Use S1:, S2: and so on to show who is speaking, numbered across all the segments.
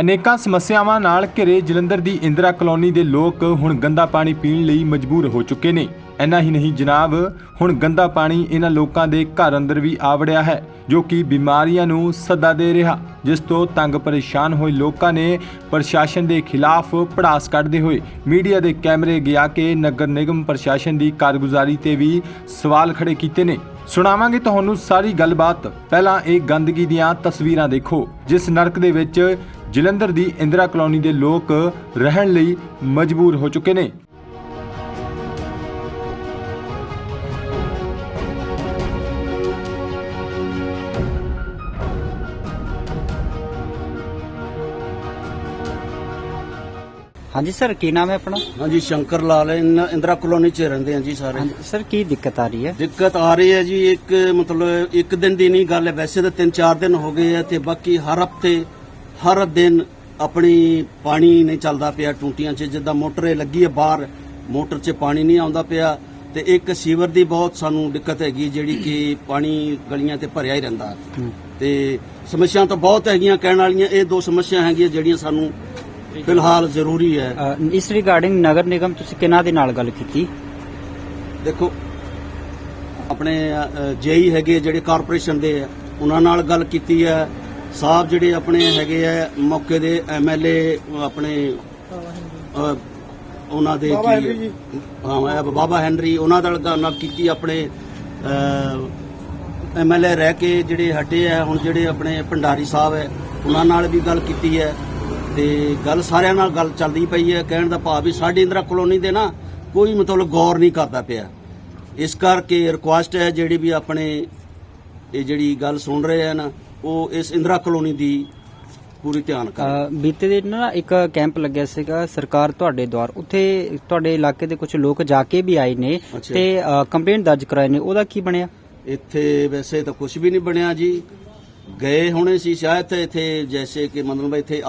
S1: ਅਨੇਕਾਂ ਸਮੱਸਿਆਵਾਂ ਨਾਲ ਘਿਰੇ ਜਲੰਧਰ ਦੀ ਇੰਦਰਾ ਕਲੋਨੀ ਦੇ ਲੋਕ ਹੁਣ ਗੰਦਾ ਪਾਣੀ ਪੀਣ ਲਈ ਮਜਬੂਰ ਹੋ ਚੁੱਕੇ ਨੇ। ਇੰਨਾ ਹੀ ਨਹੀਂ ਜਨਾਬ, ਹੁਣ ਗੰਦਾ ਪਾਣੀ ਇਹਨਾਂ ਲੋਕਾਂ ਦੇ ਘਰ ਅੰਦਰ ਵੀ ਆ ਵੜਿਆ ਹੈ, ਜੋ ਕਿ ਬਿਮਾਰੀਆਂ ਨੂੰ ਸੱਦਾ ਦੇ ਰਿਹਾ, ਜਿਸ ਤੋਂ ਤੰਗ ਪਰੇਸ਼ਾਨ ਹੋਏ ਲੋਕਾਂ ਨੇ ਪ੍ਰਸ਼ਾਸਨ ਦੇ ਖਿਲਾਫ ਭੜਾਸ ਕੱਢਦੇ ਹੋਏ ਮੀਡੀਆ ਦੇ ਕੈਮਰੇ ਗਿਆ ਕੇ ਨਗਰ ਨਿਗਮ ਪ੍ਰਸ਼ਾਸਨ ਦੀ ਕਾਰਗੁਜ਼ਾਰੀ ਤੇ ਵੀ ਸਵਾਲ ਖੜੇ ਕੀਤੇ ਨੇ। ਸੁਣਾਵਾਂਗੇ ਤੁਹਾਨੂੰ ਸਾਰੀ ਗੱਲਬਾਤ। ਪਹਿਲਾਂ ਇਹ ਗੰਦਗੀ ਦੀਆਂ ਤਸਵੀਰਾਂ ਦੇਖੋ, ਜਿਸ ਨਰਕ ਦੇ ਵਿੱਚ ਜਲੰਧਰ ਦੀ ਇੰਦਰਾ ਕਲੋਨੀ ਦੇ ਲੋਕ ਰਹਿਣ ਲਈ ਮਜਬੂਰ ਹੋ ਚੁੱਕੇ ਨੇ।
S2: हाँ जी सर, की नाम है अपना?
S3: हाँ जी, शंकर लाल है। इंदिरा कॉलोनी च रहते हैं जी सारे।
S2: हाँ जी सर, की दिक्कत आ रही है?
S3: दिक्कत आ रही है जी, एक मतलब एक दिन दी नहीं गल है, वैसे तो 3-4 दिन हो गए हैं, ते बाकी हर हफ्ते हर दिन अपनी पानी नहीं चलता पिया टूटियां च, जिद्दां मोटर लगी है बाहर, मोटर च पानी नहीं आउंदा पिया, ते एक सीवर दी बहुत सानू दिक्कत हैगी, जिहड़ी कि पानी गलियां ते भरिया ही रहिंदा। ते समस्या तो बहुत हैगियां, कहण वालियां ये 2 समस्या हैगियां जिहड़ियां सानू फिलहाल जरूरी है।
S2: इस रिगार्डिंग नगर निगम तुसीं किहਨਾਂ ਦੇ ਨਾਲ ਗੱਲ ਕੀਤੀ?
S3: देखो अपने जेई हैगे जिहड़े कारपोरेशन दे उन्हां नाल गल कीती है, साहब जिहड़े अपने हैगे है मौके दे MLA अपने उन्हां दे बाबा हैनरी उन्हां नाल कीती, अपने MLA रह के जिहड़े हटे है हुण जिहड़े अपने भंडारी साहब है उन्हां नाल भी गल कीती है, ਤੇ ਗੱਲ ਸਾਰਿਆਂ ਨਾਲ ਗੱਲ ਚੱਲਦੀ ਪਈ ਹੈ। ਕਹਿਣ ਦਾ ਭਾਵ ਵੀ ਸਾਡੀ ਇੰਦਰਾ ਕਲੋਨੀ ਦੇ ਨਾ ਕੋਈ ਮਤਲਬ ਗੌਰ ਨਹੀਂ ਕਰਦਾ ਪਿਆ। ਇਸ ਕਰਕੇ ਰਿਕੁਐਸਟ ਹੈ ਜਿਹੜੀ ਵੀ ਆਪਣੇ ਇਹ ਜਿਹੜੀ ਗੱਲ ਸੁਣ ਰਹੇ ਆ ਨਾ, ਉਹ ਇਸ ਇੰਦਰਾ ਕਲੋਨੀ ਦੀ ਪੂਰੀ ਧਿਆਨ ਕਰਨ।
S2: ਬੀਤੇ ਦਿਨ ਨਾ ਇੱਕ ਕੈਂਪ ਲੱਗਿਆ ਸੀਗਾ ਸਰਕਾਰ ਤੁਹਾਡੇ ਦੁਆਰ, ਉੱਥੇ ਤੁਹਾਡੇ ਇਲਾਕੇ ਦੇ ਕੁਝ ਲੋਕ ਜਾ ਕੇ ਵੀ ਆਏ ਨੇ ਤੇ ਕੰਪਲੇਂਟ ਦਰਜ ਕਰਾਏ ਨੇ, ਉਹਦਾ ਕੀ ਬਣਿਆ?
S3: ਇੱਥੇ ਵੈਸੇ ਤਾਂ ਕੁਝ ਵੀ ਨਹੀਂ ਬਣਿਆ ਜੀ, ਗਏ ਹੋਣੇ ਸੀ ਸ਼ਾਇਦ ਇੱਥੇ, ਜੈਸੇ ਕਿ ਮਤਲਬ ਇੱਥੇ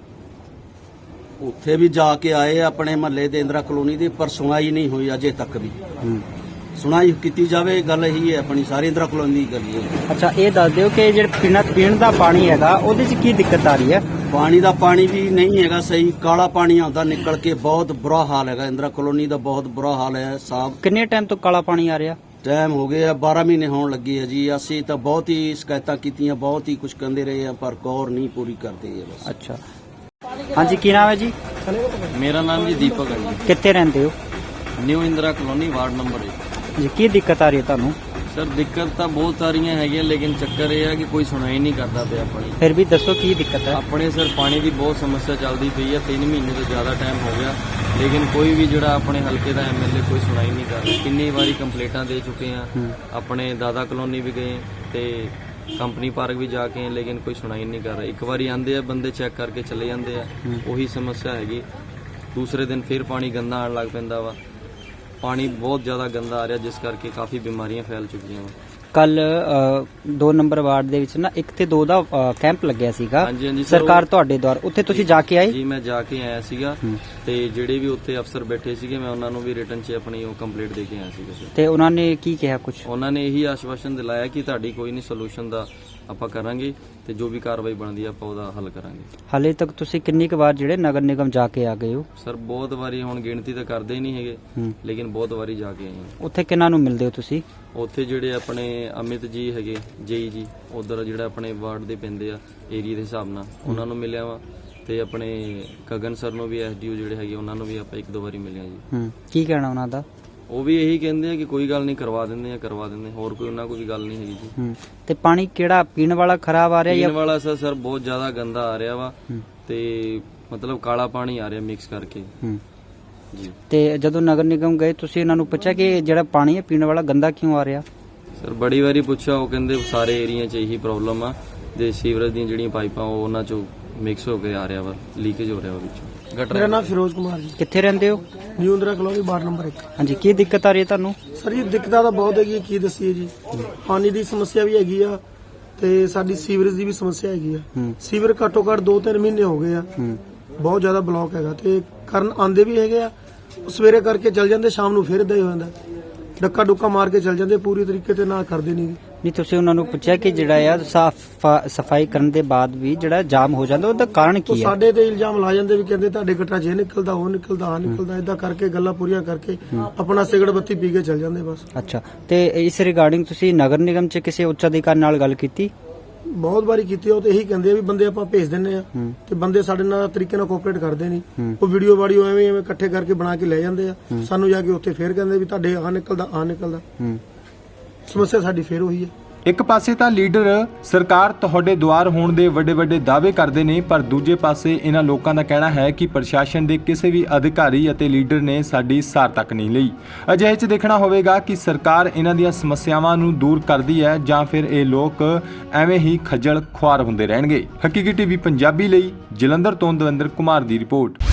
S3: ਉੱਥੇ ਵੀ ਜਾ ਕੇ ਆਏ ਆਪਣੇ ਮਹੱਲੇ ਦੇ ਇੰਦਰਾ ਕਲੋਨੀ ਦੇ, ਪਰ ਸੁਣਾਈ ਨਹੀਂ ਹੋਈ ਅਜੇ ਤੱਕ ਵੀ। ਸੁਣਾਈ ਕੀਤੀ ਜਾਵੇ, ਗੱਲ ਇਹੀ ਹੈ ਆਪਣੀ ਸਾਰੀ ਇੰਦਰਾ ਕਲੋਨੀ ਦੀ ਗੱਲ ਹੈ।
S2: ਅੱਛਾ, ਇਹ ਦੱਸ ਦਿਓ ਕਿ ਜਿਹੜਾ ਪੀਣ ਦਾ ਪਾਣੀ ਹੈਗਾ ਉਹਦੇ 'ਚ ਕੀ ਦਿੱਕਤ ਆ ਰਹੀ ਹੈ?
S3: ਪਾਣੀ ਦਾ ਪਾਣੀ ਵੀ ਨਹੀਂ ਹੈਗਾ ਸਹੀ, ਕਾਲਾ ਪਾਣੀ ਆਉਂਦਾ ਨਿਕਲ ਕੇ, ਬਹੁਤ ਬੁਰਾ ਹਾਲ ਹੈਗਾ ਇੰਦਰਾ ਕਲੋਨੀ ਦਾ, ਬਹੁਤ ਬੁਰਾ ਹਾਲ ਹੈ ਸਾਹਿਬ।
S2: ਕਿੰਨੇ ਟਾਈਮ ਤੋਂ ਕਾਲਾ ਪਾਣੀ ਆ ਰਿਹਾ?
S3: ਟਾਈਮ ਹੋ ਗਿਆ 12 ਮਹੀਨੇ ਹੋਣ ਲੱਗੇ ਹੈ ਜੀ। ਅਸੀਂ ਤਾਂ ਬਹੁਤ ਹੀ ਸ਼ਿਕਾਇਤਾਂ ਕੀਤੀਆਂ, ਬਹੁਤ ਹੀ ਕੁਝ ਕਹਿੰਦੇ ਰਹੇ ਆ, ਪਰ ਗੌਰ ਨਹੀਂ ਪੂਰੀ ਕਰਦੇ ਹੈ ਬਸ।
S2: ਅੱਛਾ, ਹਾਂਜੀ ਕੀ ਨਾਮ ਹੈ ਜੀ?
S4: ਮੇਰਾ ਨਾਮ ਜੀ ਦੀਪਕ ਹੈ ਜੀ।
S2: ਕਿੱਥੇ ਰਹਿੰਦੇ ਹੋ?
S4: New Indira colony ward number 1
S2: ਜੀ। ਕੀ ਦਿੱਕਤ ਆ ਰਹੀ ਹੈ ਤੁਹਾਨੂੰ?
S4: ਸਰ ਦਿੱਕਤ ਤਾਂ ਬਹੁਤ ਸਾਰੀਆਂ ਹੈਗੀਆਂ, ਲੇਕਿਨ ਚੱਕਰ ਇਹ ਹੈ ਕਿ ਕੋਈ ਸੁਣਾਈ ਨਹੀਂ ਕਰਦਾ ਪਿਆ ਆਪਣੀ।
S2: ਫਿਰ ਵੀ ਦੱਸੋ ਕੀ ਦਿੱਕਤ ਹੈ?
S4: ਆਪਣੇ ਸਰ ਪਾਣੀ ਦੀ ਬਹੁਤ ਸਮੱਸਿਆ ਚੱਲਦੀ ਪਈ ਹੈ, 3 ਮਹੀਨੇ ਤੋਂ ਜ਼ਿਆਦਾ ਟਾਈਮ ਹੋ ਗਿਆ, ਲੇਕਿਨ ਕੋਈ ਵੀ ਜਿਹੜਾ ਆਪਣੇ ਹਲਕੇ ਦਾ MLA ਕੋਈ ਸੁਣਾਈ ਨਹੀਂ ਕਰ ਰਿਹਾ। ਕਿੰਨੀ ਵਾਰੀ ਕੰਪਲੇਂਟਾਂ ਦੇ ਚੁੱਕੇ ਆ, ਆਪਣੇ ਦਾਦਾ ਕਲੋਨੀ ਵੀ ਗਏ ਤੇ ਕੰਪਨੀ ਪਾਰਕ ਵੀ ਜਾ ਕੇ ਆਏ, ਲੇਕਿਨ ਕੋਈ ਸੁਣਾਈ ਨਹੀਂ ਕਰ ਰਿਹਾ। ਇੱਕ ਵਾਰੀ ਆਂਦੇ ਆ ਬੰਦੇ ਚੈੱਕ ਕਰਕੇ ਚਲੇ ਜਾਂਦੇ ਆ, ਉਹੀ ਸਮੱਸਿਆ ਹੈਗੀ। ਦੂਸਰੇ ਦਿਨ ਫਿਰ ਪਾਣੀ ਗੰਦਾ ਆਉਣ ਲੱਗ ਪੈਂਦਾ ਵਾ, ਪਾਣੀ ਬਹੁਤ ਜ਼ਿਆਦਾ ਗੰਦਾ ਆ ਰਿਹਾ, ਜਿਸ ਕਰਕੇ ਕਾਫੀ ਬਿਮਾਰੀਆਂ ਫੈਲ ਚੁੱਕੀਆਂ ਵਾ।
S2: ਕੱਲ 2 ਨੰਬਰ ਵਾਰਡ ਦੇ ਵਿੱਚ ਨਾ 1 ਤੇ 2 ਦਾ ਕੈਂਪ ਲੱਗਿਆ ਸੀਗਾ ਸਰਕਾਰ ਤੁਹਾਡੇ ਦੁਆਰ, ਉੱਥੇ ਤੁਸੀਂ ਜਾ ਕੇ ਆਏ?
S4: ਜੀ ਮੈਂ ਜਾ ਕੇ ਆਇਆ ਸੀਗਾ, ਤੇ ਜਿਹੜੇ ਵੀ ਉੱਥੇ ਅਫਸਰ ਬੈਠੇ ਸੀਗੇ ਮੈਂ ਉਹਨਾਂ ਨੂੰ ਵੀ ਰਿਟਨ 'ਚ ਆਪਣੀ ਉਹ ਕੰਪਲੀਟ ਦੇ ਕੇ ਆਇਆ ਸੀਗਾ।
S2: ਤੇ ਉਹਨਾਂ ਨੇ ਕੀ ਕਿਹਾ? ਕੁਝ
S4: ਉਹਨਾਂ ਨੇ ਇਹੀ ਆਸ਼ਵਾਸਨ ਦਿਲਾਇਆ ਕਿ ਤੁਹਾਡੀ ਕੋਈ ਨਹੀਂ ਸੋਲੂਸ਼ਨ ਦਾ ਆਪਾਂ ਕਰਾਂਗੇ, ਤੇ ਜੋ ਵੀ ਕਾਰਵਾਈ ਬਣਦੀ ਆ ਆਪਾਂ ਉਹਦਾ ਹੱਲ ਕਰਾਂਗੇ।
S2: ਹਾਲੇ ਤੱਕ ਤੁਸੀਂ ਕਿੰਨੀ ਕੁ ਵਾਰ ਜਿਹੜੇ ਨਗਰ ਨਿਗਮ ਜਾ ਕੇ ਆ ਗਏ ਹੋ?
S4: ਸਰ ਬਹੁਤ ਵਾਰੀ, ਹੁਣ ਗਿਣਤੀ ਤਾਂ ਕਰਦੇ ਹੀ ਨਹੀਂ ਹੈਗੇ, ਲੇਕਿਨ ਬਹੁਤ ਵਾਰੀ ਜਾ ਕੇ ਆਏ ਹਾਂ।
S2: ਉੱਥੇ ਕਿਹਨਾਂ ਨੂੰ ਮਿਲਦੇ ਹੋ ਤੁਸੀਂ?
S4: ਉੱਥੇ ਜਿਹੜੇ ਆਪਣੇ ਅਮਿਤ ਜੀ ਹੈਗੇ ਜੇਈ ਜੀ, ਉਧਰ ਜਿਹੜਾ ਆਪਣੇ ਵਾਰਡ ਦੇ ਪੈਂਦੇ ਆ ਏਰੀਆ ਦੇ ਹਿਸਾਬ ਨਾਲ, ਉਹਨਾਂ ਨੂੰ ਮਿਲਿਆ ਵਾ, ਤੇ ਆਪਣੇ ਗਗਨ ਸਰ ਨੂੰ ਵੀ SDO ਜਿਹੜੇ ਹੈਗੇ ਉਹਨਾਂ ਨੂੰ ਵੀ ਆਪਾਂ 1-2 ਵਾਰੀ ਮਿਲਿਆ ਜੀ।
S2: ਕੀ ਕਹਿਣਾ ਉਹਨਾਂ ਦਾ?
S4: ਉਹ ਵੀ ਇਹੀ ਕਹਿੰਦੇ ਆ ਕਿ ਕੋਈ ਗੱਲ ਨਹੀਂ, ਕਰਵਾ ਦਿੰਦੇ ਆ, ਹੋਰ ਕੋਈ ਉਹਨਾਂ ਕੋਈ ਗੱਲ ਨਹੀਂ ਹੈਗੀ ਜੀ।
S2: ਤੇ ਪਾਣੀ ਕਿਹੜਾ ਪੀਣ ਵਾਲਾ ਖਰਾਬ ਆ ਰਿਹਾ ਜਾਂ
S4: ਪੀਣ ਵਾਲਾ? ਸਰ ਬਹੁਤ ਜ਼ਿਆਦਾ ਗੰਦਾ ਆ ਰਿਹਾ ਵਾ, ਤੇ ਮਤਲਬ ਕਾਲਾ ਪਾਣੀ ਆ ਰਿਹਾ ਮਿਕਸ ਕਰਕੇ ਜੀ।
S2: ਤੇ ਜਦੋਂ ਨਗਰ ਨਿਗਮ ਗਏ ਤੁਸੀਂ ਇਹਨਾਂ ਨੂੰ ਪੁੱਛਿਆ ਕਿ ਜਿਹੜਾ ਪਾਣੀ ਹੈ ਪੀਣ ਵਾਲਾ ਗੰਦਾ ਕਿਉਂ ਆ ਰਿਹਾ?
S4: ਸਰ ਬੜੀ ਵਾਰੀ ਪੁੱਛਿਆ, ਉਹ ਕਹਿੰਦੇ ਸਾਰੇ ਏਰੀਆ 'ਚ ਇਹੀ ਪ੍ਰੋਬਲਮ ਆ, ਦੇ ਸੀਵਰੇਜ ਦੀਆਂ ਜਿਹੜੀਆਂ ਪਾਈਪਾਂ ਉਹ ਉਹਨਾਂ 'ਚੋਂ ਮਿਕਸ ਹੋ ਕੇ ਆ ਰਿਹਾ ਵਾ, ਲੀਕੇਜ ਹੋ ਰਿਹਾ ਵਾ ਵਿੱਚੋਂ।
S5: मेरा नाम फिरोज कुमार जी।
S2: ਕਿੱਥੇ ਰਹਿੰਦੇ ਹੋ?
S5: New Indira colony ward number 1।
S2: ਹਾਂਜੀ, ਕੀ ਦਿੱਕਤ ਆ ਰਹੀ ਹੈ ਤੁਹਾਨੂੰ?
S5: ਸਰ ਜੀ ਦਿੱਕਤਾਂ ਤਾਂ ਬਹੁਤ ਹੈਗੀ, ਕੀ ਦੱਸੀਏ ਜੀ। ਪਾਣੀ ਦੀ ਸਮੱਸਿਆ ਵੀ ਹੈਗੀ ਆ, ਤੇ ਸਾਡੀ ਸੀਵਰੇਜ ਦੀ ਵੀ ਸਮੱਸਿਆ ਹੈਗੀ ਆ। ਸੀਵਰ ਘੱਟੋ ਘੱਟ 2-3 ਮਹੀਨੇ ਹੋ ਗਏ ਆ, ਬਹੁਤ ਜ਼ਿਆਦਾ ਬਲੌਕ ਹੈਗਾ, ਤੇ ਕਰਨ ਆਂਦੇ ਵੀ ਹੈਗੇ ਆ, ਸਵੇਰੇ ਕਰਕੇ ਚੱਲ ਜਾਂਦੇ, ਸ਼ਾਮ ਨੂੰ ਫਿਰ ਇਦਾਂ ਹੀ ਹੋ ਜਾਂਦਾ, ਡੱਕਾ ਡੁੱਕਾ ਮਾਰ ਕੇ ਚੱਲ ਜਾਂਦੇ, ਪੂਰੀ ਤਰੀਕੇ ਤੇ ਨਾ ਕਰਦੇ ਨਹੀਂ।
S2: ਨਹੀਂ ਤੁਸੀਂ ਉਹਨਾਂ ਨੂੰ ਪੁੱਛਿਆ ਕਿ ਜਿਹੜਾ ਆ ਸਫਾਈ ਕਰਨ ਦੇ ਬਾਅਦ ਵੀ ਜਿਹੜਾ ਜਾਮ ਹੋ ਜਾਂਦਾ ਉਹਦਾ ਕਾਰਨ
S5: ਉਹ
S2: ਕੀ ਹੈ?
S5: ਸਾਡੇ ਤੇ ਇਲਜ਼ਾਮ ਲਾ ਜਾਂਦੇ ਵੀ ਕਹਿੰਦੇ ਤੁਹਾਡੇ ਗੱਟਾ 'ਚ ਇਹ ਨਿਕਲਦਾ ਉਹ ਨਿਕਲਦਾ ਆ ਨਿਕਲਦਾ, ਇਦਾਂ ਕਰਕੇ ਗੱਲਾਂ ਪੂਰੀਆਂ ਕਰਕੇ ਆਪਣਾ ਸਿਗਰਟ ਬੱਤੀ ਪੀ ਕੇ ਚੱਲ ਜਾਂਦੇ ਬਸ।
S2: ਅੱਛਾ, ਤੇ ਇਸ ਰਿਗਾਰਡਿੰਗ ਤੁਸੀਂ ਨਗਰ ਨਿਗਮ 'ਚ ਕਿਸੇ ਉੱਚ ਅਧਿਕਾਰੀ ਨਾਲ ਗੱਲ ਕੀਤੀ?
S5: ਬਹੁਤ ਵਾਰੀ ਕੀਤੀ, ਉਹ ਤੇ ਇਹੀ ਕਹਿੰਦੇ ਆ ਵੀ ਬੰਦੇ ਆਪਾਂ ਭੇਜ ਦਿੰਨੇ ਆ ਤੇ ਬੰਦੇ ਸਾਡੇ ਨਾਲ ਤਰੀਕੇ ਨਾਲ ਕੋਆਪਰੇਟ ਕਰਦੇ ਨਹੀਂ। ਉਹ ਵੀਡੀਓ ਵਾਡੀਓ ਐਵੇਂ ਇਕੱਠੇ ਕਰਕੇ ਬਣਾ ਕੇ ਲੈ ਜਾਂਦੇ ਆ, ਸਾਨੂੰ ਜਾ ਕੇ ਉੱਥੇ ਫੇਰ ਕਹਿੰਦੇ ਵੀ ਤੁਹਾਡੇ ਆ ਨਿਕਲਦਾ। ਸਮੱਸਿਆ ਸਾਡੀ ਫੇਰ ਉਹੀ ਹੈ।
S1: ਇੱਕ ਪਾਸੇ ਤਾਂ ਲੀਡਰ ਸਰਕਾਰ ਤੁਹਾਡੇ ਦੁਆਰ ਹੋਣ ਦੇ ਵੱਡੇ ਦਾਅਵੇ ਕਰਦੇ ਨੇ, ਪਰ ਦੂਜੇ ਪਾਸੇ ਇਹਨਾਂ ਲੋਕਾਂ ਦਾ ਕਹਿਣਾ ਹੈ ਕਿ ਪ੍ਰਸ਼ਾਸਨ ਦੇ ਕਿਸੇ ਵੀ ਅਧਿਕਾਰੀ ਅਤੇ ਲੀਡਰ ਨੇ ਸਾਡੀ ਸਾਰ ਤੱਕ ਨਹੀਂ ਲਈ। ਅਜਿਹੇ 'ਚ ਦੇਖਣਾ ਹੋਵੇਗਾ ਕਿ ਸਰਕਾਰ ਇਹਨਾਂ ਦੀਆਂ ਸਮੱਸਿਆਵਾਂ ਨੂੰ ਦੂਰ ਕਰਦੀ ਹੈ ਜਾਂ ਫਿਰ ਇਹ ਲੋਕ ਐਵੇਂ ਹੀ ਖੱਜਲ ਖੁਆਰ ਹੁੰਦੇ ਰਹਿਣਗੇ। ਹਕੀਕੀ ਟੀਵੀ ਪੰਜਾਬੀ ਲਈ ਜਲੰਧਰ ਤੋਂ ਦਵਿੰਦਰ ਕੁਮਾਰ ਦੀ ਰਿਪੋਰਟ।